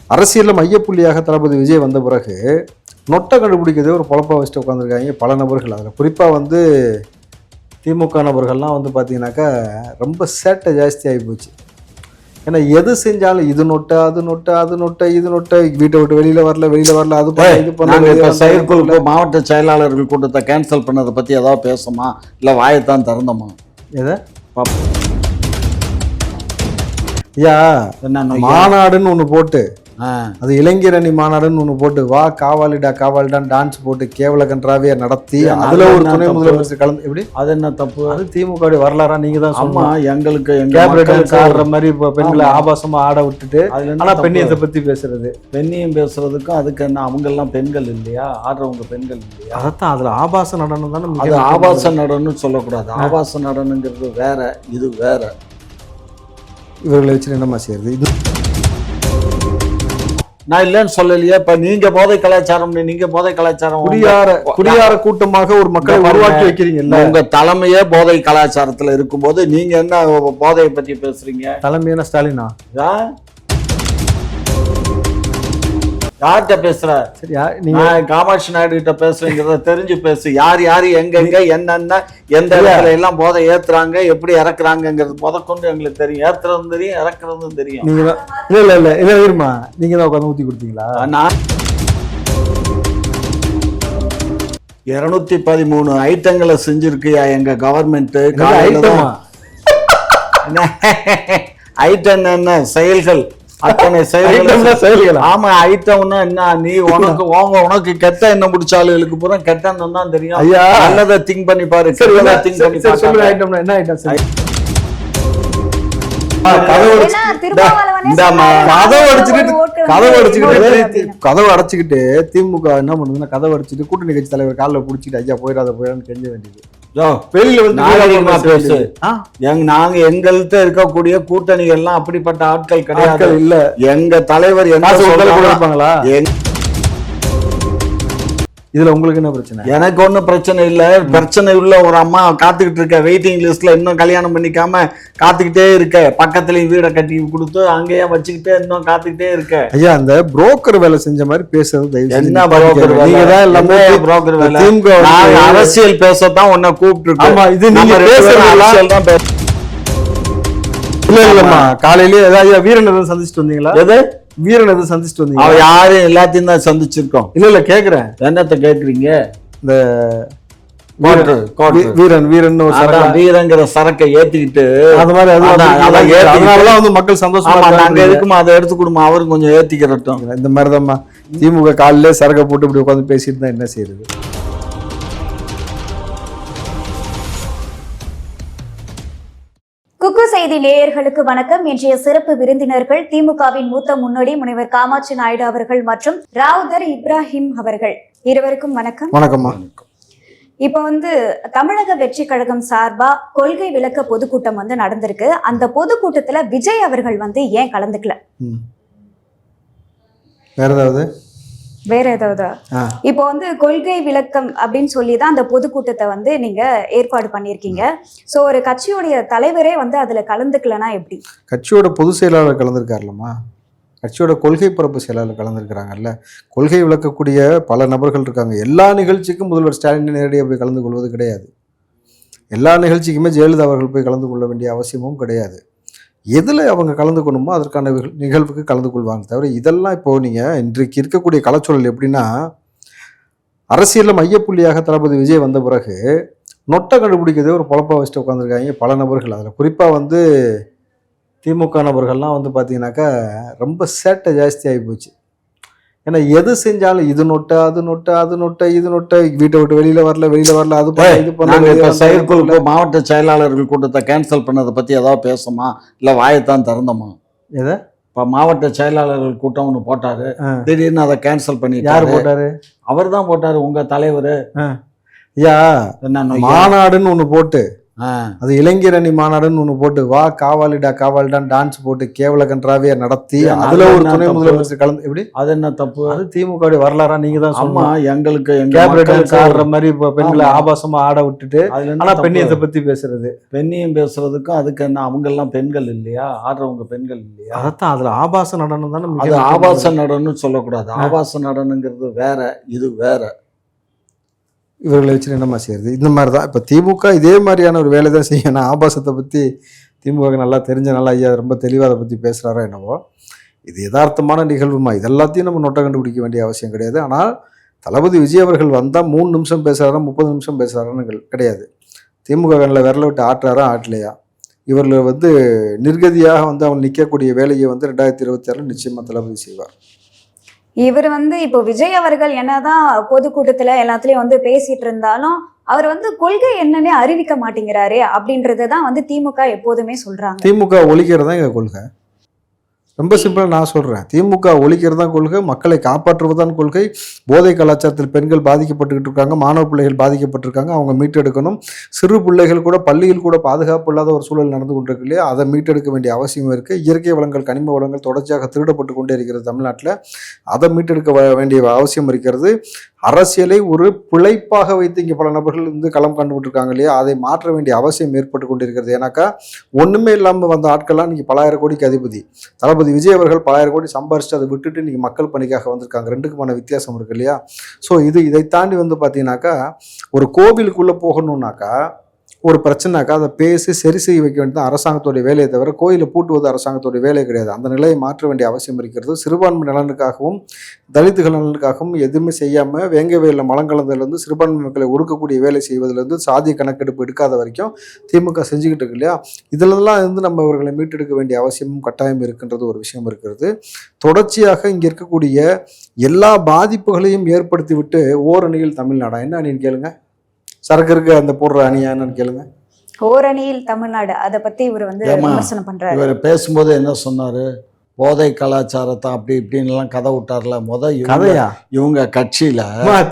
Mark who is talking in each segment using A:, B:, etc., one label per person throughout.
A: அரசியலில் மையப்புள்ளியாக தளபதி விஜய் வந்த பிறகு நொட்டை கண்டுபிடிக்கிறதே ஒரு பொழப்பா வச்சுட்டு உட்காந்துருக்காங்க பல நபர்கள். அதில் குறிப்பாக வந்து திமுக நபர்கள்லாம் வந்து பார்த்தீங்கன்னாக்கா ரொம்ப சேட்டை ஜாஸ்தி ஆகி போச்சு. ஏன்னா எது செஞ்சாலும் இது நொட்டை அது நொட்டை அது நொட்டை இது நொட்டை, வீட்டை விட்டு வெளியில் வரல அது இது பண்ண.
B: செயற்குழு மாவட்ட செயலாளர்கள் கூட்டத்தை கேன்சல் பண்ணதை பற்றி ஏதாவது பேசுமா இல்லை வாயத்தான் திறந்தோமா?
A: எதை ஐயா, மாநாடுன்னு ஒன்று போட்டு, அது இளைஞர் அணி மாநாடுன்னு ஒன்று போட்டு, வா காவாலிடான்னு டான்ஸ் போட்டு கேவல கன்றாவே நடத்தி அதுல ஒரு துணை முதலமைச்சர் கலந்து, எப்படி அது என்ன தப்பு? அது திமுக வரலாறா? நீங்க தான் சொன்னா எங்களுக்கு ஆடுற மாதிரி பெண்களை ஆபாசமா ஆட விட்டுட்டு, ஆனா பெண்ணியத்தை பத்தி பேசுறது,
B: பெண்ணியம் பேசுறதுக்கும் அதுக்கு என்ன, அவங்க எல்லாம் பெண்கள் இல்லையா? ஆடுறவங்க பெண்கள் இல்லையா?
A: அதான் அதுல ஆபாச நடனம் தானே.
B: அது ஆபாச நடனம்னு சொல்லக்கூடாது. ஆபாச நடனங்கிறது வேற, இது வேற.
A: இவர்களை வச்சு என்னமா செய்யறது? இது
B: நான் இல்லைன்னு சொல்லலையே. இப்ப நீங்க போதை கலாச்சாரம், நீங்க போதை கலாச்சாரம்
A: குடியார கூட்டமாக ஒரு மக்களை உருவாக்கி வைக்கிறீங்க.
B: உங்க தலைமையே போதை கலாச்சாரத்துல இருக்கும்போது நீங்க என்ன போதையை பத்தி பேசுறீங்க?
A: தலைமையான ஸ்டாலினா?
B: யார்கிட்ட பேசுற?
A: சரியா,
B: நீங்க காமாட்சி நாயுடு கிட்ட பேசுறீங்கிறத தெரிஞ்சு பேசு. யாரு எங்க என்னென்ன எந்த இடத்துல எல்லாம் போதை ஏத்துறாங்க, எப்படி இறக்குறாங்கிறது முதற்கொண்டு எங்களுக்கு தெரியும். ஏத்துறதும் தெரியும், இறக்குறதும் தெரியும்.
A: நீங்க இல்ல இருமா, நீங்க தான் உட்காந்து ஊத்தி கொடுத்தீங்களா?
B: நான் 213 ஐட்டங்களை செஞ்சிருக்கியா எங்க கவர்மெண்ட். ஐட்டம் என்ன? செயல்கள், அத்தனை செயல்கள். ஆமா, ஐட்டம்னா என்ன? நீ உனக்கு கெட்ட எண்ணம் முடிச்ச ஆளுகளுக்கு பூரா கெட்ட எண்ணம் தான் தெரியும். ஐயா, நல்லதை திங்க் பண்ணி பாரு.
A: என்ன ஐட்டம்? கதவு அடைச்சுக்கிட்டு திமுக என்ன பண்ணுதுன்னா, கதவு அடைச்சிட்டு கூட்டணி கட்சி தலைவர் காலில் பிடிச்சிட்டு ஐயா போயிடான்னு கெஞ்ச வேண்டியது.
B: நாங்க எங்கள்கிட்ட இருக்கக்கூடிய கூட்டணிகள் எல்லாம் அப்படிப்பட்ட ஆட்கள் கிடையாது. இல்ல, எங்க தலைவர் என்ன சொல்றாங்களா?
A: இதுல உங்களுக்கு என்ன பிரச்சனை?
B: எனக்கு ஒன்னும் பிரச்சனை இல்ல. பிரச்சனை உள்ள ஒரு அம்மா காத்துக்கிட்டு இருக்க, வெயிட்டிங் லிஸ்ட்ல இன்னும் கல்யாணம் பண்ணிக்காம காத்துக்கிட்டே இருக்க, பக்கத்துலயும் வீடை கட்டி கொடுத்து அங்கேயே வச்சுக்கிட்டே இன்னும் காத்துக்கிட்டே இருக்க.
A: ஐயா, அந்த புரோக்கர் வேலை செஞ்ச மாதிரி பேசுறது
B: என்ன புரோக்கர் வேலை? எல்லாமே புரோக்கர் வேலை. அரசியல் பேசத்தான் உன்னை கூப்பிட்டு.
A: இது நீங்க அரசியல் தான் பேச. இல்லம்மா, காலையிலேயே ஏதாவது வீரன் எதுவும் சந்திச்சுட்டு வந்தீங்களா?
B: எது
A: வீரன் எதுவும் சந்திச்சுட்டு வந்தீங்க?
B: அவ யாரும் எல்லாத்தையும் தான் சந்திச்சிருக்கோம்.
A: இல்ல கேக்குறேன்.
B: என்னத்த கேக்குறீங்க?
A: இந்த வீரங்கிற
B: சரக்கை ஏத்திக்கிட்டு
A: அது மாதிரி அதனாலதான் வந்து மக்கள் சந்தோஷமா
B: நாங்க இருக்குமா, அதை எடுத்து கொடுமா, அவரும் கொஞ்சம் ஏத்திக்கிறட்டும்.
A: இந்த மாதிரிதான்மா திமுக காலிலே சரக்கை போட்டு இப்படி உட்காந்து பேசிட்டு தான் என்ன செய்யறது?
C: குக்கு செய்தி நேயர்களுக்கு வணக்கம். இன்றைய சிறப்பு விருந்தினர்கள் திமுகவின் மூத்த முன்னோடி முனைவர் காமாட்சி நாயுடு அவர்கள் மற்றும் ராவுதர் இப்ராஹிம் அவர்கள். இருவருக்கும் வணக்கம்.
A: வணக்கம்மா.
C: இப்ப வந்து தமிழக வெற்றி கழகம் சார்பா கொள்கை விளக்க பொதுக்கூட்டம் வந்து நடந்திருக்கு. அந்த பொதுக்கூட்டத்துல விஜய் அவர்கள் வந்து ஏன் கலந்துக்கல? வேற ஏதாவது இப்போ வந்து கொள்கை விளக்கம் அப்படின்னு சொல்லிதான் அந்த பொதுக்கூட்டத்தை வந்து நீங்க ஏற்பாடு பண்ணிருக்கீங்க. சோ ஒரு கட்சியோடைய தலைவரே வந்து அதுல கலந்துக்கலனா எப்படி?
A: கட்சியோட பொதுச் செயலாளர் கலந்துருக்காருலமா, கட்சியோட கொள்கை பரப்பு செயலாளர் கலந்துருக்கிறாங்கல்ல, கொள்கை விளக்கக்கூடிய பல நபர்கள் இருக்காங்க. எல்லா நிகழ்ச்சிக்கும் முதல்வர் ஸ்டாலின் நேரடியாக போய் கலந்து கொள்வது கிடையாது. எல்லா நிகழ்ச்சிக்குமே ஜெயலலிதா அவர்கள் போய் கலந்து கொள்ள வேண்டிய அவசியமும் கிடையாது. எதில் அவங்க கலந்துக்கணுமோ அதற்கான நிகழ்வுக்கு கலந்து கொள்வாங்க தவிர, இதெல்லாம் இப்போது நீங்கள் இன்றைக்கு இருக்கக்கூடிய கலாச்சூழல் எப்படின்னா, அரசியலில் மையப்புள்ளியாக தளபதி விஜய் வந்த பிறகு நொட்டை கண்டுபிடிக்கிறதே ஒரு பொழப்பா வச்சுட்டு உட்காந்துருக்காங்க பல நபர்கள். அதில் குறிப்பாக வந்து திமுக நபர்கள்லாம் வந்து பார்த்தீங்கன்னாக்கா ரொம்ப சேட்டை ஜாஸ்தி ஆகி போச்சு. ஏன்னா எது செஞ்சாலும் இது நொட்டை அது நொட்டை அது நொட்டை இது நொட்டை, வீட்டை விட்டு வெளியில் வரல அது இது பண்ண.
B: செயற்குழு மாவட்ட செயலாளர்கள் கூட்டத்தை கேன்சல் பண்ணதை பற்றி ஏதாவது பேசுமா இல்லை வாயத்தான் திறந்தோமா?
A: எதை?
B: இப்போ மாவட்ட செயலாளர்கள் கூட்டம் ஒன்று போட்டாரு, திடீர்னு அதை கேன்சல் பண்ணி.
A: யார் போட்டாரு?
B: அவர் தான் போட்டாரு, உங்க தலைவர்.
A: ஐயா, மாநாடுன்னு ஒன்று போட்டு, அது இளைஞர் அணி மாநாடுன்னு ஒண்ணு போட்டு வா காவாலிடான்னு டான்ஸ் போட்டு கேவல கன்றாவியா நடத்தி அதுல ஒரு துணை முதலமைச்சர் கலந்து எப்படி
B: அது என்ன தப்பு?
A: அது திமுக வரலாறா நீங்க தான்
B: ஆமா, எங்களுக்கு
A: ஆடுற மாதிரி பெண்களை ஆபாசமா ஆட விட்டுட்டு ஆனா பெண்ணியத்தை பத்தி பேசுறது,
B: பெண்ணியம் பேசுறதுக்கும் அதுக்கு என்ன, அவங்க எல்லாம் பெண்கள் இல்லையா? ஆடுறவங்க பெண்கள் இல்லையா?
A: அதான் அதுல ஆபாச நடனம் தானே.
B: அது ஆபாச நடனம்னு சொல்லக்கூடாது. ஆபாச நடனங்கிறது வேற, இது வேற.
A: இவர்களை வச்சு என்னமா செய்யறது? இந்த மாதிரி தான் இப்போ திமுக இதே மாதிரியான ஒரு வேலை தான் செய்யணும். ஆபாசத்தை பற்றி திமுக நல்லா தெரிஞ்ச நல்லா ஐயா ரொம்ப தெளிவாக அதை பற்றி பேசுகிறாரோ என்னவோ. இது யதார்த்தமான நிகழ்வுமா, இது எல்லாத்தையும் நம்ம நொட்டை கண்டுபிடிக்க வேண்டிய அவசியம் கிடையாது. ஆனால் தளபதி விஜய் அவர்கள் வந்தால் 3 நிமிஷம் பேசுகிறாரா 30 நிமிஷம் பேசுகிறாரான்னு கிடையாது. திமுக கண்ணில் விரல விட்டு ஆட்டுறாரா ஆட்டலையா, இவர்கள் நிர்கதியாக அவங்க நிற்கக்கூடிய வேலையை 2026 நிச்சயமாக தளபதி செய்வார்.
C: இவர் இப்போ விஜய் அவர்கள் என்னதான் பொதுக்கூட்டத்துல எல்லாத்துலயும் பேசிட்டு இருந்தாலும் அவர் கொள்கை என்னன்னே அறிவிக்க மாட்டேங்கிறாரு அப்படின்றதுதான் திமுக எப்போதுமே சொல்றாங்க.
A: திமுக ஒழிக்கிறது தான் எங்க கொள்கை. ரொம்ப சிம்பிளாக நான் சொல்கிறேன், திமுக ஒழிக்கிறது தான் கொள்கை, மக்களை காப்பாற்றுவதுதான் கொள்கை. போதை கலாச்சாரத்தில் பெண்கள் பாதிக்கப்பட்டுக்கிட்டு இருக்காங்க, மாணவ பிள்ளைகள் பாதிக்கப்பட்டிருக்காங்க, அவங்க மீட்டெடுக்கணும். சிறு பிள்ளைகள் கூட பள்ளியில் கூட பாதுகாப்பு இல்லாத ஒரு சூழல் நடந்து கொண்டிருக்கு இல்லையா, அதை மீட்டெடுக்க வேண்டிய அவசியம் இருக்குது. இயற்கை வளங்கள் கனிம வளங்கள் தொடர்ச்சியாக திருடப்பட்டு கொண்டே இருக்கிறது தமிழ்நாட்டில், அதை மீட்டெடுக்க வேண்டிய அவசியம் இருக்கிறது. அரசியலை ஒரு பிழைப்பாக வைத்து இங்கே பல நபர்கள் களம் கண்டுபிட்டுருக்காங்க இல்லையா, அதை மாற்ற வேண்டிய அவசியம் ஏற்பட்டு கொண்டிருக்கிறது. ஏன்னாக்கா ஒன்றுமே இல்லாமல் வந்த ஆட்கள்லாம் இன்றைக்கி பலாயிரம் கோடிக்கு அதிபதி. தளபதி விஜய் அவர்கள் 1000 கோடி சம்பாரிச்சு அதை விட்டுட்டு இன்றைக்கி மக்கள் பணிக்காக வந்திருக்காங்க. ரெண்டுக்குமான வித்தியாசம் இருக்கு இல்லையா. ஸோ இதை தாண்டி பார்த்தீங்கன்னாக்கா ஒரு கோவிலுக்குள்ளே போகணுன்னாக்கா ஒரு பிரச்சனைனாக்கா அதை பேசி சரி செய்ய வைக்க வேண்டியது அரசாங்கத்துடைய வேலையை தவிர கோயிலை பூட்டுவது அரசாங்கத்துடைய வேலை கிடையாது. அந்த நிலையை மாற்ற வேண்டிய அவசியம் இருக்கிறது. சிறுபான்மை நலனுக்காகவும் தலித்துகள் நலனுக்காகவும் எதுவுமே செய்யாமல் வேங்க வேலை மலங்கலந்திலிருந்து சிறுபான்மை மக்களை ஒடுக்கக்கூடிய வேலை செய்வதிலிருந்து சாதிய கணக்கெடுப்பு எடுக்காத வரைக்கும் திமுக செஞ்சுக்கிட்டு இருக்கு இல்லையா. இதிலெல்லாம் நம்ம இவர்களை மீட்டெடுக்க வேண்டிய அவசியமும் கட்டாயம் இருக்கின்றது ஒரு விஷயம் இருக்கிறது. தொடர்ச்சியாக இங்கே இருக்கக்கூடிய எல்லா பாதிப்புகளையும் ஏற்படுத்தி விட்டு ஓரணியில் தமிழ்நாடா என்ன அணின்னு கேளுங்க, சரக்கு இருக்கு அந்த போடுற அணியான்னு கேளுங்க.
C: ஓரணியில் தமிழ்நாடு, அதை பத்தி இவர் விமர்சனம் பண்றாரு.
B: இவர் பேசும்போது என்ன சொன்னாரு, போதை கலாச்சாரத்தை அப்படி இப்படின்னு எல்லாம் கதை விட்டார்ல.
A: கதையா
B: இவங்க கட்சியில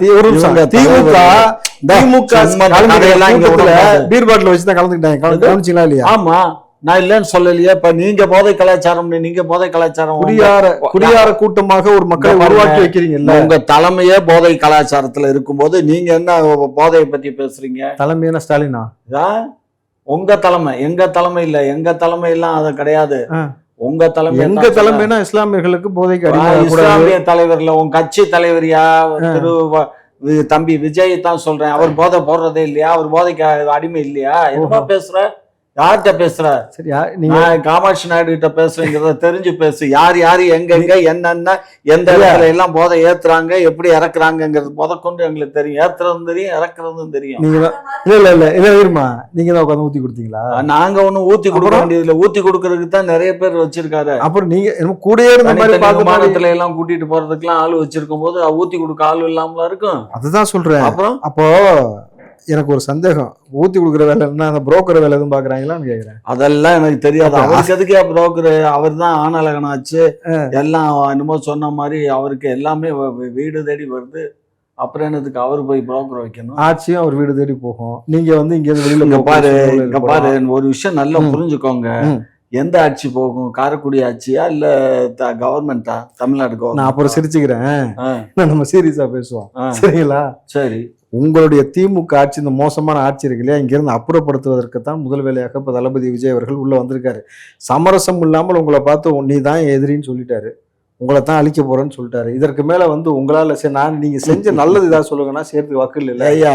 A: பீர் பாட்டில் வச்சுதான் கலந்துக்கிட்டாங்க இல்லையா?
B: ஆமா, நான் இல்லன்னு சொல்லலையே. இப்ப நீங்க போதை கலாச்சாரம், நீங்க போதை கலாச்சாரம்
A: குடியார கூட்டமாக ஒரு மக்களை உருவாக்கி வைக்கிறீங்க.
B: உங்க தலைமையே போதை கலாச்சாரத்துல இருக்கும்போது நீங்க என்ன போதையை பத்தி பேசுறீங்க?
A: தலைமையான ஸ்டாலினா?
B: உங்க தலைமை, எங்க தலைமை இல்ல. எங்க தலைமை எல்லாம் அது கிடையாது. உங்க தலைமை,
A: எங்க தலைமைனா இஸ்லாமியர்களுக்கு போதைக்கு
B: இஸ்லாமிய தலைவர்ல உங்க கட்சி தலைவரியா திரு தம்பி விஜய் தான் சொல்றேன். அவர் போதை போடுறதே இல்லையா? அவர் போதைக்கு அடிமை இல்லையா? என்ன பேசுற? யார்கிட்ட பேசுற?
A: சரியா,
B: நீங்க காமாட்சி நாயுடு கிட்ட பேசுறீங்கிறத தெரிஞ்சு பேசு. யார் எங்க என்னென்ன எந்த இடத்துல எல்லாம் போதை ஏத்துறாங்க, எப்படி இறக்குறாங்கிறது முதற்கொண்டு எங்களுக்கு தெரியும். ஏத்துறதும் தெரியும், இறக்குறதும் தெரியும்.
A: நீங்க தான் உட்காந்து ஊத்தி கொடுத்தீங்களா?
B: நாங்க ஒண்ணும் ஊத்தி கொடுக்க வேண்டியதுல, ஊத்தி கொடுக்கறதுக்கு தான் நிறைய பேர் வச்சிருக்காரு.
A: அப்புறம் நீங்க கூட இருந்த மாதிரி
B: விமானத்துல எல்லாம் கூட்டிட்டு போறதுக்கு எல்லாம் ஆளு வச்சிருக்கும் போது ஊத்தி கொடுக்க ஆளு இல்லாமல இருக்கும்.
A: அதுதான் சொல்றேன்.
B: அப்புறம்
A: அப்போ எனக்கு ஒரு சந்தேகம், ஊத்தி கொடுக்குற வேலை என்ன, அந்த புரோக்கர் வேலை எதுவும் பாக்குறாங்களான்னு கேக்குறேன்.
B: அதெல்லாம் எனக்கு தெரியாது. அவருக்கு எதுக்கே புரோக்கர்? அவர் தான் ஆனலகனாச்சு எல்லாம் என்னமோ சொன்ன மாதிரி. அவருக்கு எல்லாமே வீடு தேடி வருது. அப்புறம் என்னதுக்கு அவர் போய் புரோக்கர் வைக்கணும்?
A: ஆட்சியும் அவர் வீடு தேடி போகும். நீங்க இங்க வெளியில
B: இங்க பாரு ஒரு விஷயம் நல்லா புரிஞ்சுக்கோங்க. எந்த ஆட்சி போகும்? காரைக்குடி ஆட்சியா இல்ல கவர்மெண்டா? தமிழ்நாடு கவர்மெண்ட்.
A: நான் அப்புறம் சிரிச்சுக்கிறேன், நம்ம சீரியஸா பேசுவோம் சரிங்களா?
B: சரி,
A: உங்களுடைய திமுக ஆட்சி, இந்த மோசமான ஆட்சி இருக்கு இல்லையா, இங்கிருந்து அப்புறப்படுத்துவதற்கு தான் முதல் வேலையாக இப்போ தளபதி விஜய் அவர்கள் உள்ள வந்திருக்காரு. சமரசம் இல்லாமல் உங்களை பார்த்து நீ தான் எதிரின்னு சொல்லிட்டாரு, உங்களை தான் அழிக்க போறேன்னு சொல்லிட்டாரு. இதற்கு மேல உங்களால நீங்க செஞ்ச நல்லது ஏதாவது சொல்லுங்கன்னா சேர்த்து வக்கில் இல்லை
B: ஐயா.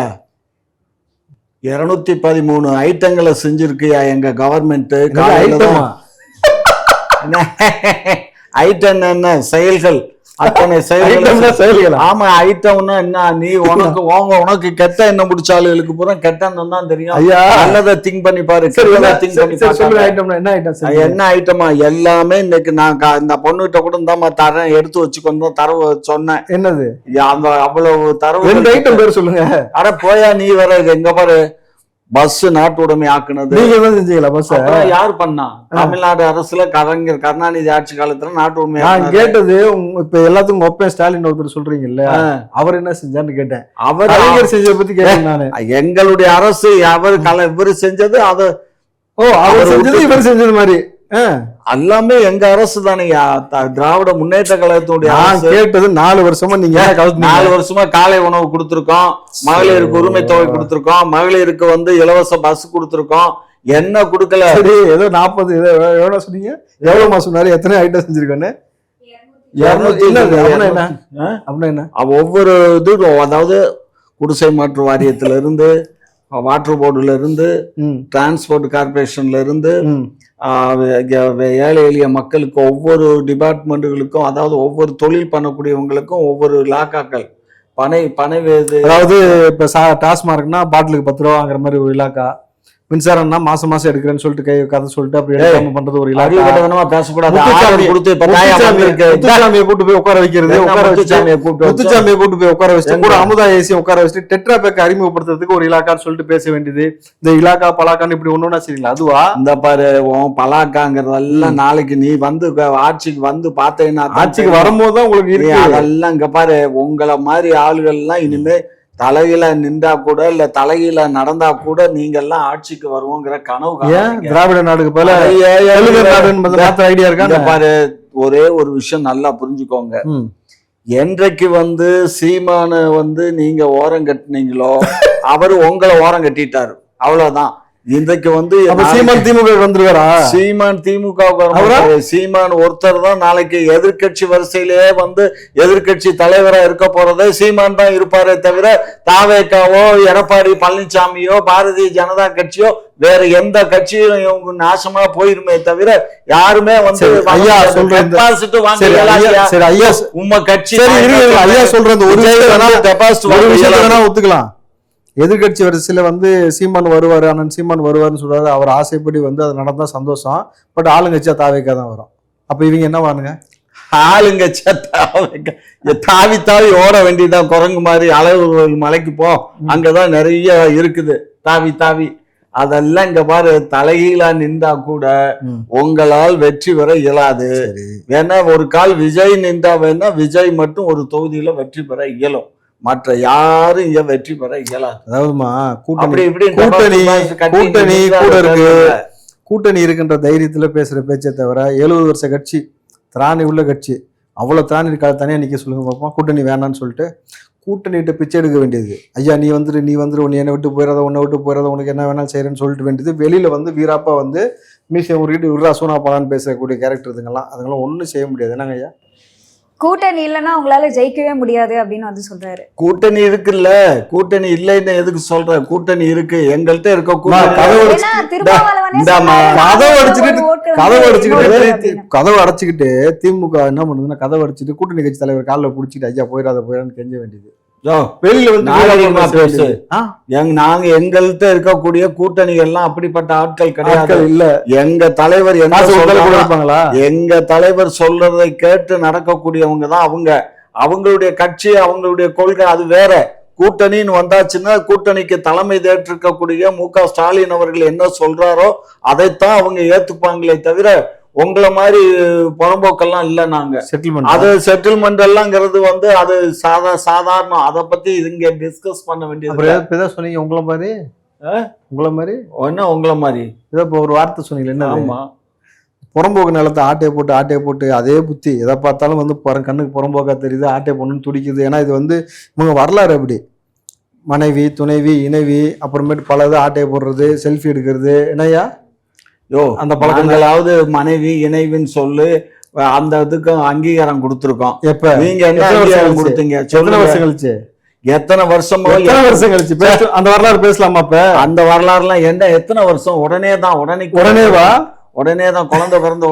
B: 213 ஐட்டங்களை செஞ்சிருக்கியா எங்க கவர்மெண்ட். ஐட்டம் என்ன? செயல்கள், அத்தனை செயல்கள். ஆமா, ஐட்டம்னா என்ன? நீ உனக்கு கெட்ட எண்ணம் முடிச்சாளுகளுக்கு பூரா கெட்ட எண்ணம் தான் தெரியும். நல்லதை திங்க் பண்ணி பாரு. என்ன ஐட்டமா? எல்லாமே இன்னைக்கு நான் இந்த பொண்ணுகிட்ட கூட இருந்தா தரேன், எடுத்து வச்சுக்கொண்டு தரவு சொன்னேன்.
A: என்னது
B: அந்த அவ்வளவு தரவு
A: ஐட்டம் பேர் சொல்லுங்க.
B: அட போயா நீ வேற. எங்க பாரு, பஸ் நாட்டுடைமை ஆக்குனது
A: நீங்க தான் செஞ்சீங்களா பஸ்?
B: யார் பண்ணா? தமிழ்நாடு அரசுல கலைஞர் கருணாநிதி ஆட்சி காலத்துல நாட்டுடைமை.
A: நான் கேட்டது இப்ப எல்லாத்துக்கும் ஒப்பேன் ஸ்டாலின் ஒருத்தர் சொல்றீங்கல்ல, அவர் என்ன செஞ்சான்னு கேட்டேன். அவர் கலைஞர் செஞ்சதை பத்தி கேட்டேன் நானு.
B: எங்களுடைய அரசு இவரு செஞ்சது அது.
A: ஓ, அவர் செஞ்சது இவர் செஞ்சது மாதிரி
B: எல்லாமே எங்க அரசு தானேயா, திராவிட முன்னேற்ற கழகத்துடைய.
A: கேட்டது 4 வருஷமா நீங்க
B: 4 வருஷமா காலை உணவு கொடுத்திருக்கோம், மகளிருக்கு உரிமை தொகை கொடுத்திருக்கோம், மகளிருக்கு வந்து இலவச பஸ் கொடுத்திருக்கோம். என்ன கொடுக்கல?
A: ஏதோ 40 எவ்வளவு சொன்னீங்க? எவ்வளவு சொன்னாரு? எத்தனை ஐட்டம் செஞ்சிருக்கோன்னு? 200 என்ன?
B: ஒவ்வொரு இது, அதாவது குடிசை மாற்று வாரியத்துல இருந்து, வாட்டர் போர்டுல இருந்து, டிரான்ஸ்போர்ட் கார்பரேஷன்ல இருந்து, ஏழை எளிய மக்களுக்கு ஒவ்வொரு டிபார்ட்மெண்ட்டுகளுக்கும், அதாவது ஒவ்வொரு தொழில் பண்ணக்கூடியவங்களுக்கும் ஒவ்வொரு இலாக்காக்கள் பனை
A: அதாவது இப்ப டாஸ்மார்க்னா பாட்டிலுக்கு 10 ரூபா வாங்குற மாதிரி ஒரு இலாக்கா, மின்சாரம்னா மாசம் மாசம் எடுக்கிறேன்னு சொல்லிட்டு கதை சொல்லிட்டு அப்படி எடுக்காம பண்றது ஒரு இலாக்கா.
B: பேசக்கூடாது.
A: முத்துச்சாமியை கூட்டு போய் உட்கார வைக்கிறது, முத்துச்சாமியை கூட்டு போய் உட்கார வச்சுட்டு கூட அமுதா ஏசியை உட்கார வச்சுட்டு டெட்ரா பேக் அறிமுகப்படுத்துறதுக்கு ஒரு இலாக்கான்னு சொல்லிட்டு பேச வேண்டியது. இந்த இலாக்கா பலாக்கான்னு இப்படி ஒண்ணுன்னா சரிங்களா? அதுவா
B: இந்த பாரு பலாக்காங்கிறதெல்லாம் நாளைக்கு நீ வந்து ஆட்சிக்கு வந்து பாத்தீங்கன்னா,
A: ஆட்சிக்கு வரும்போதுதான் உங்களுக்கு இருக்கு
B: அதெல்லாம். இங்க பாரு, உங்களை மாதிரி ஆளுகள் எல்லாம் இனிமே தலையில நின்றா கூட இல்ல தலையில நடந்தா கூட நீங்க எல்லாம் ஆட்சிக்கு வருவோங்கிற கனவு.
A: திராவிட நாடுக்கு போல ஐடியா இருக்கா
B: பாரு. ஒரே ஒரு விஷயம் நல்லா புரிஞ்சுக்கோங்க. என்றைக்கு வந்து சீமான வந்து நீங்க ஓரம் கட்டினீங்களோ அவரு உங்களை ஓரம் கட்டிட்டாரு, அவ்வளவுதான். இன்றைக்கு வந்து
A: சீமான் திமுக வந்துருவாரா?
B: சீமான் திமுக சீமான் ஒருத்தர் தான் நாளைக்கு எதிர்கட்சி வரிசையிலேயே வந்து எதிர்கட்சி தலைவரா இருக்க போறதே சீமான் தான் இருப்பாரே தவிர தாவேக்காவோ எடப்பாடி பழனிசாமியோ பாரதிய ஜனதா கட்சியோ வேற எந்த கட்சியும் நாசமா போயிருமே தவிர யாருமே வந்து
A: ஐயா சொல்றேன்
B: உங்க கட்சி
A: ஐயா சொல்றது ஒத்துக்கலாம். எதிர்கட்சி வரிசையில வந்து சீமான் வருவாரு, அண்ணன் சீமான் வருவாருன்னு சொல்றாரு. அவர் ஆசைப்படி வந்து அது நடந்தா சந்தோஷம். பட் ஆளுங்கட்சியா தாவேக்கா தான் வரும். அப்ப இவங்க என்ன வானுங்க?
B: ஆளுங்கட்சியா தாவி தாவி ஓட வேண்டியதான். குரங்கு மாதிரி அளவு மலைக்கு போ, அங்கதான் நிறைய இருக்குது தாவி தாவி. அதெல்லாம் இங்க பாரு, தலைகீழா நின்றா கூட உங்களால் வெற்றி பெற இயலாது. வேணா ஒரு கால் விஜய் நின்றா வேணா விஜய் மட்டும் ஒரு தொகுதியில வெற்றி பெற இயலும், மற்ற யாரும் இங்க வெற்றி பெற இயலாது.
A: அதாவதுமா
B: கூட்டணி
A: கூட இருக்கு, கூட்டணி இருக்கின்ற தைரியத்துல பேசுற பேச்சை தவிர 70 வருஷ கட்சி, திராணி உள்ள கட்சி, அவ்வளவு திராணி தனியா நிக்க சொல்லுங்க பார்ப்போம். கூட்டணி வேணான்னு சொல்லிட்டு கூட்டணிகிட்ட பிச்சை எடுக்க வேண்டியது. ஐயா நீ வந்துரு உன்னை என்னை விட்டு போயிடாத, உன்னை விட்டு போயிடாத, உனக்கு என்ன வேணாலும் செய்யறேன்னு சொல்லிட்டு வேண்டியது. வெளியில வந்து வீராப்பா வந்து மீசை உருகிட்டு விட்ரா சூனா பலான்னு பேசக்கூடிய கேரக்டர் இதுங்கெல்லாம், அதுங்கெல்லாம் ஒன்றும் செய்ய முடியாது. என்னங்க ஐயா?
C: கூட்டணி இல்லைன்னா உங்களால ஜெயிக்கவே முடியாது அப்படின்னு வந்து சொல்றாரு.
B: கூட்டணி இருக்குல்ல, கூட்டணி இல்லைன்னு எதுக்கு சொல்ற? கூட்டணி இருக்கு, எங்கள்கிட்ட இருக்க.
A: கதவு அடைச்சுக்கிட்டு திமுக என்ன பண்ணுதுன்னா, கதவு அடைச்சிட்டு கூட்டணி கட்சி தலைவர் காலில் பிடிச்சிட்டு ஐயா போயிடான்னு கெஞ்ச வேண்டியது. வெளியில வந்து
B: நாங்க எங்கள்கிட்ட இருக்கக்கூடிய கூட்டணிகள்லாம் அப்படிப்பட்ட ஆட்கள் கிடையாது. இல்ல, எங்க தலைவர்
A: இருப்பாங்களா?
B: எங்க தலைவர் சொல்றதை கேட்டு நடக்கக்கூடியவங்க தான் அவங்க. அவங்களுடைய கட்சி, அவங்களுடைய கொள்கை அது வேற. கூட்டணின்னு வந்தாச்சுன்னா கூட்டணிக்கு தலைமை ஏற்றிருக்கக்கூடிய மு.க. ஸ்டாலின் அவர்கள் என்ன சொல்றாரோ அதைத்தான் அவங்க ஏத்துப்பாங்களே தவிர உங்களை மாதிரி புறம்போக்கெல்லாம் இல்ல. நாங்க அது செட்டில்மெண்ட் எல்லாம்ங்கிறது வந்து அது சாதாரணம். அதை பத்தி இங்க டிஸ்கஸ் பண்ண வேண்டியது.
A: சொன்னீங்க உங்களை மாதிரி என்ன
B: உங்களை மாதிரி
A: இப்போ ஒரு வார்த்தை சொன்னீங்க என்ன? ஆமா, புறம்போக்கு நிலத்தை ஆட்டையை போட்டு அதே புத்தி எதை பார்த்தாலும் வந்து கண்ணுக்கு புறம்போக்கா தெரியுது, ஆட்டையை போடணும்னு துடிக்குது. ஏன்னா இது வந்து இவங்க வரலாறு அப்படி. மனைவி, துணைவி, இணைவி, அப்புறமேட்டு பல இது ஆட்டையை போடுறது, செல்ஃபி எடுக்கிறது. என்னையா
B: அந்த பழக்கங்களாவது மனைவி இணைவின்னு சொல்லு, அந்த இதுக்கு அங்கீகாரம் கொடுத்துருக்கோம்.
A: எப்ப
B: நீங்க என்ன அங்கீகாரம் கொடுத்தீங்க?
A: எத்தனை வருஷம் கழிச்சு?
B: எத்தனை வருஷம்
A: கழிச்சு அந்த வரலாறு பேசலாமா? அப்ப அந்த
B: வரலாறுலாம் என்ன எத்தனை வருஷம்? உடனேதான் குழந்தை பிறந்த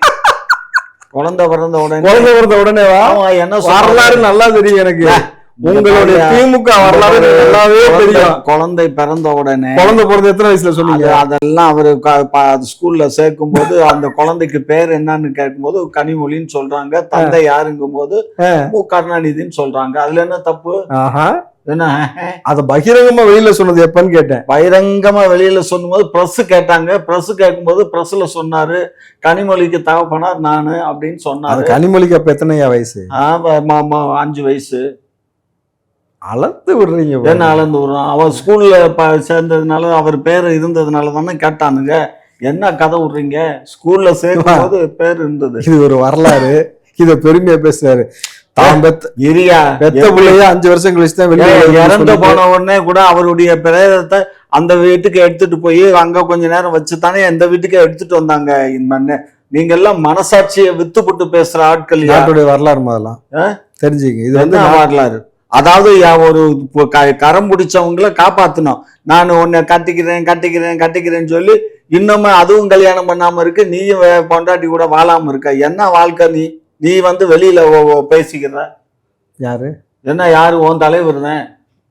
B: உடனேவா?
A: என்ன வரலாறு நல்லா தெரியும் எனக்கு. உங்களுடைய திமுக வரலாறு நல்லாவே தெரியும்.
B: குழந்தை பிறந்த உடனே,
A: குழந்தை பிறந்த எத்தனை வயசுல சொன்னீங்க?
B: அதெல்லாம் அவரு ஸ்கூல்ல சேர்க்கும் போது அந்த குழந்தைக்கு பேர் என்னன்னு கேட்கும் போது கனிமொழின்னு சொல்றாங்க. தந்தை யாருங்கும் போது மு. கருணாநிதினு சொல்றாங்க. அதுல என்ன தப்பு? என்ன
A: அதை பகிரங்கமா வெளியில சொன்னது எப்பன்னு கேட்டேன்.
B: பகிரங்கமா வெளியில சொல்லும்போது பிரஸ் கேட்டாங்க. பிரஸ் கேட்கும்போது பிரஸ்ல சொன்னாரு கனிமொழிக்கு தகப்பனார் நானு அப்படின்னு
A: அது
B: சொன்னாரு.
A: கனிமொழிக்கு அப்ப எத்தனையா வயசு?
B: 5 வயசு.
A: அளந்து விடுறீங்க.
B: என்ன அளந்து விடுறான்? அவன் ஸ்கூல்ல சேர்ந்ததுனால அவர் பேர் இருந்ததுனால தானே கேட்டானுங்க. என்ன கதை விடுறீங்க? ஸ்கூல்ல சேர்க்கும் போது பேர் இருந்தது.
A: இது ஒரு வரலாறு. இத பெருமையா பேசுறாரு. பெத்த பிள்ளைய 5 வருஷம் கழிச்சு தான் வெளியே
B: இறந்து போன உடனே கூட அவருடைய பிரேதத்தை அந்த வீட்டுக்கு எடுத்துட்டு போய் அங்க கொஞ்ச நேரம் வச்சுதானே எந்த வீட்டுக்கு எடுத்துட்டு வந்தாங்க. நீங்க எல்லாம் மனசாட்சியை வித்துப்பட்டு பேசுற ஆட்கள்.
A: நாட்டுடைய வரலாறு அதெல்லாம் தெரிஞ்சுங்க. இது வந்து
B: வரலாறு. அதாவது ஒரு கரம் பிடிச்சவங்களை காப்பாத்தணும். நான் உன்னை கட்டிக்கிறேன்னு சொல்லி இன்னுமே அதுவும் கல்யாணம் பண்ணாம இருக்கு. நீயும் பொண்டாட்டி கூட வாழாம இருக்க. என்ன வாழ்க்கை? நீ வந்து வெளியில பேசிக்கிற
A: யாரு?
B: என்ன யாரு? உன் தலைவர் தான்.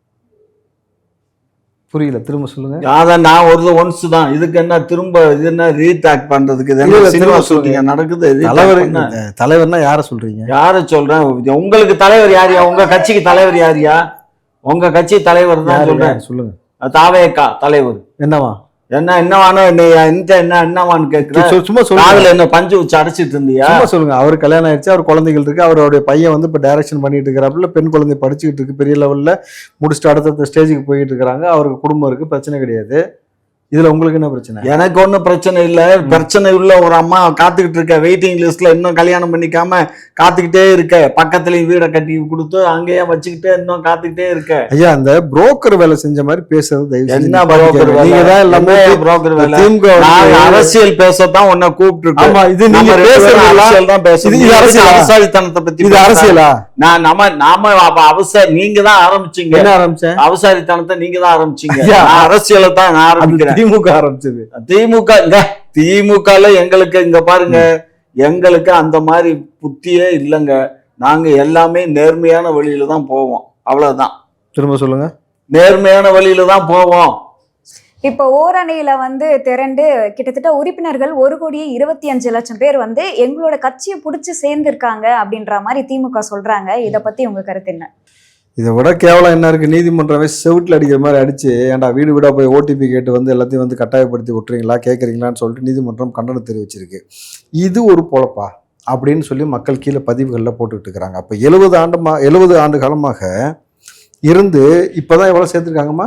A: புரியல, திரும்ப சொல்லுங்க.
B: அதான் நான் ஒன்ஸ் தான். இதுக்கு என்ன திரும்ப இது என்ன ரீடாக் பண்றதுக்கு நடக்குது?
A: தலைவர்னா யார சொல்றீங்க?
B: யார சொல்றேன்? உங்களுக்கு தலைவர் யாரியா? உங்க கட்சிக்கு தலைவர் யாரியா? உங்க கட்சி தலைவர் தான் சொல்றேன்.
A: சொல்லுங்க.
B: தாவேகா தலைவர்.
A: என்னவா?
B: என்னவான்னு கேக்குறேன். சும்மா சொல்லுங்க. என்ன பஞ்சு வச்சு அடைச்சிட்டு இருந்தியா?
A: சொல்லுங்க. அவர் கல்யாணம் ஆயிடுச்சு, அவர் குழந்தைகள் இருக்கு. அவருடைய பையன் வந்து இப்ப டைரக்ஷன் பண்ணிட்டு இருக்கிறாப்புல. பெண் குழந்தை படிச்சுக்கிட்டு இருக்கு, பெரிய லெவல்ல முடிச்சுட்டு அடுத்த ஸ்டேஜுக்கு போயிட்டு இருக்காங்க. அவருக்கு குடும்பம் இருக்கு, பிரச்சனை கிடையாது. இதுல உங்களுக்கு என்ன பிரச்சனை?
B: எனக்கு ஒன்றும் பிரச்சனை இல்லை. பிரச்சனை உள்ள ஒரு அம்மா காத்துக்கிட்டு இருக்க, வெயிட்டிங் லிஸ்ட்ல இன்னும் கல்யாணம் பண்ணிக்காம காத்துக்கிட்டே இருக்க. பக்கத்துலயும் வீடை கட்டி கொடுத்து அங்கேயே வச்சுக்கிட்டே இன்னும் காத்துக்கிட்டே இருக்க.
A: ஐயா, அந்த புரோக்கர் வேலை செஞ்ச மாதிரி பேசுறது
B: என்ன புரோக்கர் வேலை? எல்லாமே புரோக்கர் வேலை. அரசியல் பேசத்தான் உன்னை கூப்பிட்டு அரசியல் தான் பேசுறது. அவசாரித்தனத்தை பத்தி
A: இது அரசியலா?
B: நாம நீங்க தான் ஆரம்பிச்சீங்க.
A: என்ன ஆரம்பிச்சேன்?
B: அவசாரித்தனத்தை நீங்க தான் ஆரம்பிச்சீங்க. அரசியலை தான் நான் ஆரம்பிக்கிறேன்.
A: திமுக ஆரம்பிச்சது.
B: திமுகல எங்களுக்கு இங்க பாருங்க, எங்களுக்கு அந்த மாதிரி புத்தியே இல்லைங்க. நாங்க எல்லாமே நேர்மையான வழியில தான் போவோம். அவ்வளவுதான்.
A: திரும்ப சொல்லுங்க.
B: நேர்மையான வழியில தான் போவோம்.
C: இப்போ ஓரணியில வந்து திரண்டு கிட்டத்தட்ட உறுப்பினர்கள் 1,25,00,000 பேர் வந்து எங்களோட கட்சியை பிடிச்சி சேர்ந்திருக்காங்க அப்படின்ற மாதிரி திமுக சொல்றாங்க. இதை பத்தி உங்க கருத்து என்ன?
A: இதை விட கேவலம் என்ன இருக்கு? நீதிமன்றமே செவிட்டில் அடிக்கிற மாதிரி அடிச்சு, ஏன்டா வீடு வீடாக போய் ஓடிபி கேட்டு வந்து எல்லாத்தையும் வந்து கட்டாயப்படுத்தி விட்டுறீங்களா, கேட்குறீங்களான்னு சொல்லிட்டு நீதிமன்றம் கண்டனம் தெரிவிச்சிருக்கு. இது ஒரு பொழப்பா அப்படின்னு சொல்லி மக்கள் கீழே பதிவுகளில் போட்டுக்கிட்டு இருக்கிறாங்க. அப்போ 70 ஆண்டு காலமாக இருந்து இப்போதான் எவ்வளோ சேர்த்துருக்காங்கம்மா?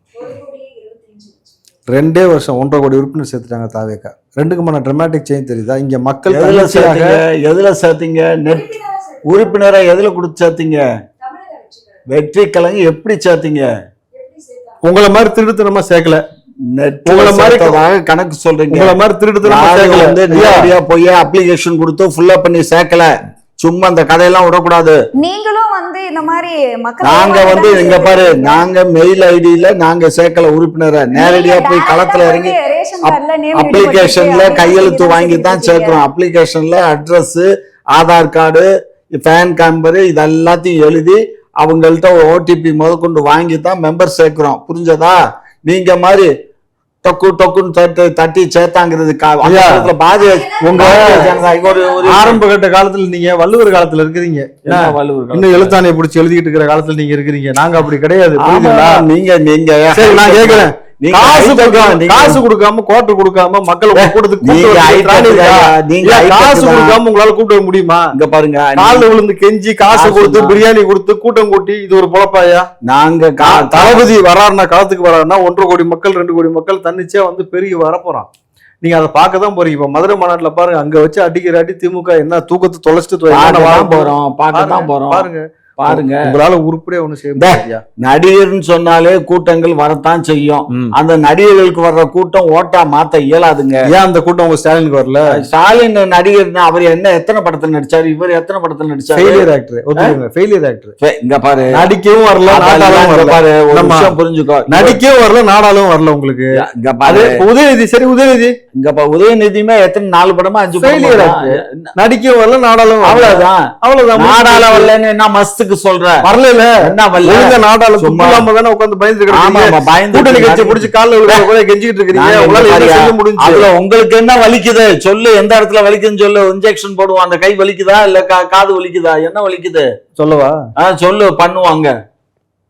A: 2 வருஷம் 1.5 கோடி உறுப்பினர் சேர்த்துட்டாங்க தாவேக்கா. 2க்குமான ட்ராமாட்டிக் சேஞ்ச் தெரியுதா? இங்க மக்கள்
B: எதுல சேர்த்தீங்க? நெட் உறுப்பினரை எதுல கொடுத்து சேர்த்தீங்க? வெற்றி கலங்க எப்படி சேர்த்தீங்க?
A: உங்களை மாதிரி திருடுத்தனமா சேர்க்கல.
B: உங்களை மாதிரி கணக்கு சொல்றீங்க.
A: உங்களை மாதிரி திருடுத்தனமா சேர்க்கல.
B: நேரடியா போய் அப்ளிகேஷன் கொடுத்து ஃபுல்லா பண்ணி சேர்க்கல. சும்மா அந்த கதையெல்லாம் விடக்கூடாது.
C: நீங்களும் வந்து இந்த மாதிரி மக்கள்
B: நாங்க வந்து இங்க பாரு, நாங்க மெயில் ஐடியில நாங்க சேர்க்கல உறுப்பினரை. நேரடியா போய் களத்துல இறங்கி அப்ளிகேஷன்ல கையெழுத்து வாங்கி தான் சேர்க்கிறோம். அப்ளிகேஷன்ல address, Aadhaar card, PAN number இதெல்லாத்தையும் எழுதி அவங்கள்ட்ட ஓடிபி முதற்கொண்டு வாங்கி தான் மெம்பர் சேர்க்கிறோம். புரிஞ்சதா? நீங்க மாதிரி டொக்குன்னு தட்டி சேர்த்தாங்கிறது
A: ஆரம்ப கட்ட காலத்துல நீங்க வள்ளுவர் காலத்துல இருக்கிறீங்க. இன்னும் எழுத்தாணையை பிடிச்சி எழுதிட்டு இருக்கிற காலத்துல நீங்க இருக்கிறீங்க. நாங்க அப்படி கிடையாது.
B: நீங்க
A: நான் கேக்குறேன், காசு கொடுக்காம கோட்டை கொடுக்காம மக்களை காசு கொடுக்காம உங்களால கூப்பிட முடியுமா?
B: இங்க பாருங்க,
A: கால விழுந்து கெஞ்சி காசு கொடுத்து பிரியாணி கொடுத்து கூட்டம் கூட்டி இது ஒரு பொழப்பாயா?
B: நாங்க
A: தளபதி வராருன்னா, களத்துக்கு வராருன்னா 1.5 கோடி மக்கள் 2 கோடி மக்கள் தன்னிச்சையா வந்து பெருகி வரப்போறான். நீங்க அதை பார்க்கதான் போறீங்க. இப்ப மதுரை மாநாட்டுல பாருங்க, அங்க வச்சு அடிக்கிற அடி திமுக என்ன தூக்கத்தை தொலைச்சிட்டு
B: போறோம். பார்க்கதான் போறோம். பாருங்க,
A: உங்களால உருப்படியா ஒண்ணு செய்ய முடியாது.
B: நடிகர்னு சொன்னாலே கூட்டங்கள் வரத்தான் செய்யும். அந்த நடிகர்களுக்கு வர்ற கூட்டம் ஓட்டா மாத்த இயலாதுங்க.
A: ஏன் அந்த கூட்டம் உங்க ஸ்டாலினுக்கு வரல?
B: ஸ்டாலின் நடிகர்னா அவர் என்ன எத்தனை படத்துல நடிச்சாரு? இவர் எத்தனை படத்துல நடிச்சாரு?
A: Failure actor. Failure actor.
B: இங்க பாரு,
A: நடிக்கவும் வரல, நாடாலும் வரல. பாரு, ஒரு விஷயம் புரிஞ்சுக்கோ. நடிக்கவும் வரல, நாடாலும் வரல. உங்களுக்கு இங்க பாரு, உதயநிதி. சரி, உதயநிதி இங்க
B: உதயநிதியுமே எத்தனை 4 படமா 5
A: ஃபெயிலியர் ஆக்டர். நடிக்கவும் வரல, நாடாலும் அவ்வளவுதான்.
B: நாடால வரலன்னு என்ன மஸ்துக்கு சொல்ற?
A: வரல என்ன வரல? நாடால சும்மாம தானே உட்கார்ந்து பயந்து இருக்கீங்க. கூட்டணி கட்சி பிடிச்சு கால்ல விழுற போல கெஞ்சிட்டு இருக்கீங்க. உங்களால என்ன செய்ய முடிஞ்சு?
B: அதுல உங்களுக்கு என்ன வலிக்குது சொல்லு. எந்த இடத்துல வலிக்குதுன்னு சொல்லு. இன்ஜெக்ஷன் போடுவோம். அந்த கை வலிக்குதா இல்ல காது வலிக்குதா? என்ன வலிக்குது
A: சொல்லவா?
B: சொல்லு, பண்ணுவாங்க.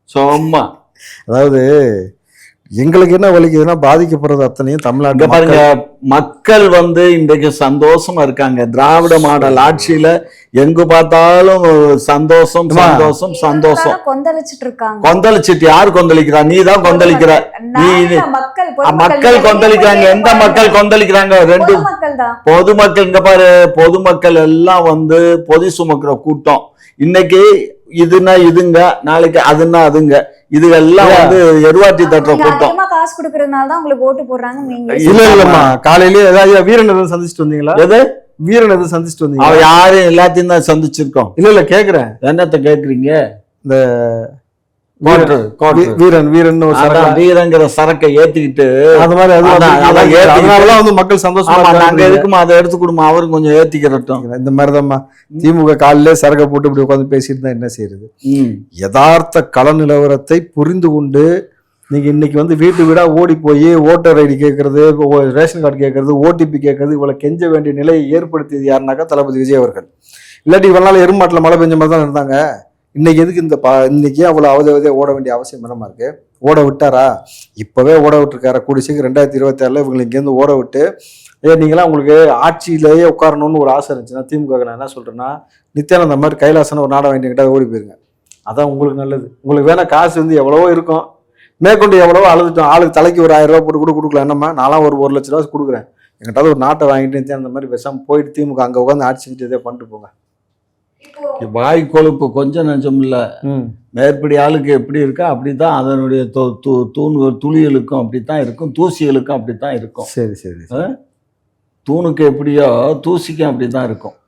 B: சும்மா
A: அதாவது எங்களுக்கு என்ன வலிக்குதுன்னா பாதிக்கப்படுறது அத்தனையும்
B: இங்க
A: தமிழ்நாட்டு
B: பாருங்க, மக்கள் வந்து இன்றைக்கு சந்தோஷமா இருக்காங்க. திராவிட மாடல் ஆட்சியில எங்கு பார்த்தாலும் சந்தோஷம் சந்தோஷம் சந்தோஷம்.
C: கொந்தளிச்சிட்டு இருக்காங்க.
B: கொந்தளிச்சிட்டு யார் கொந்தளிக்கிறா? நீ தான் கொந்தளிக்கிற. நீ மக்கள் கொந்தளிக்கிறாங்க. எந்த மக்கள் கொந்தளிக்கிறாங்க? ரெண்டு
C: மக்கள் தான்.
B: பொதுமக்கள். இங்க பாரு, பொதுமக்கள் எல்லாம் வந்து பொதி சுமக்கிற கூட்டம். இன்னைக்கு இதுன்னா இதுங்க, நாளைக்கு அதுன்னா அதுங்க. இது எல்லாம் வந்து எருவாட்டி தட்டுற கூட்டம்.
C: அதிகமா காசு கொடுக்கறதுனால தான் உங்களுக்கு ஓட்டு போடுறாங்க. நீங்க
A: இல்லம்மா, காலையிலேயே ஏதாவது வீரன் எதுவும் சந்திச்சுட்டு வந்தீங்களா?
B: எது
A: வீரன் எதுவும் சந்திச்சுட்டு வந்தீங்களா?
B: அவ யாரும் எல்லாத்தையும் தான் சந்திச்சிருக்கோம்.
A: இல்ல கேக்குறேன்,
B: என்னத்த கேக்குறீங்க?
A: இந்த
B: கோட்டர்
A: வீரன் ஒரு
B: வீரங்கிற சரக்கை ஏத்திக்கிட்டு
A: அது மாதிரி அதனாலதான் வந்து மக்கள் சந்தோஷமா
B: நாங்க எதுக்குமா அதை எடுத்து கொடுமா, அவரும் கொஞ்சம் ஏத்திக்கிறட்டும்.
A: இந்த மாதிரிதான்மா திமுக காலிலே சரக்கை போட்டு இப்படி உட்காந்து பேசிட்டு தான் என்ன செய்யறது? யதார்த்த கள நிலவரத்தை புரிந்து கொண்டு நீங்க இன்னைக்கு வந்து வீட்டு வீடா ஓடி போய் ஓட்டர் ஐடி கேட்கறது, ரேஷன் கார்டு கேட்கறது, ஓடிபி கேட்கறது, இவ்வளவு கெஞ்ச வேண்டிய நிலையை ஏற்படுத்தியது யாருனாக்கா தளபதி விஜய் அவர்கள். இல்லாட்டி இவ்வளவு நாள் எருமாட்டில் மழை பெஞ்ச மாதிரி தான் இருந்தாங்க. இன்னைக்கு எதுக்கு இன்னைக்கு அவ்வளவு அவதே ஓட வேண்டிய அவசியம் என்னமா இருக்கு? ஓட விட்டாரா? இப்பவே ஓட விட்டுருக்காரு. கூடிய சீக்கிரம் 2026 இவங்களை இங்கேருந்து ஓட விட்டு, நீங்களாம் உங்களுக்கு ஆட்சியிலேயே உட்காரணும்னு ஒரு ஆசை இருந்துச்சுன்னா திமுக நான் என்ன சொல்றேன்னா, நித்யானந்த மாதிரி கைலாசன ஒரு நாடகம் வேண்டிய ஓடி போயிருங்க. அதான் உங்களுக்கு நல்லது. உங்களுக்கு வேணா காசு வந்து எவ்வளவோ இருக்கும், மேற்கொண்டு எவ்வளவோ அழுதுட்டோம். ஆளுக்கு தலைக்கு ஒரு 1000 ரூபா போட்டு கூட கொடுக்கலாம். என்னம்மா நான்லாம் ஒரு 1 லட்ச ரூபா கொடுக்குறேன், எங்கிட்ட ஒரு நாட்டை வாங்கிட்டு நித்யானந்த மாதிரி பேசாம போயிட்டு திமுக அங்கே உட்காந்து ஆட்சி செஞ்சு இதே பண்ணிட்டு போங்க.
B: வாய் கொழுப்பு கொஞ்சம் நஞ்சம் இல்ல. மேற்படி ஆளுக்கு எப்படி இருக்கா அப்படித்தான் அதனுடைய துளிகளுக்கும் அப்படித்தான் இருக்கும், தூசிகளுக்கும் அப்படித்தான் இருக்கும்.
A: சரி சரி.
B: தூணுக்கு எப்படியோ தூசிக்கும் அப்படித்தான் இருக்கும்.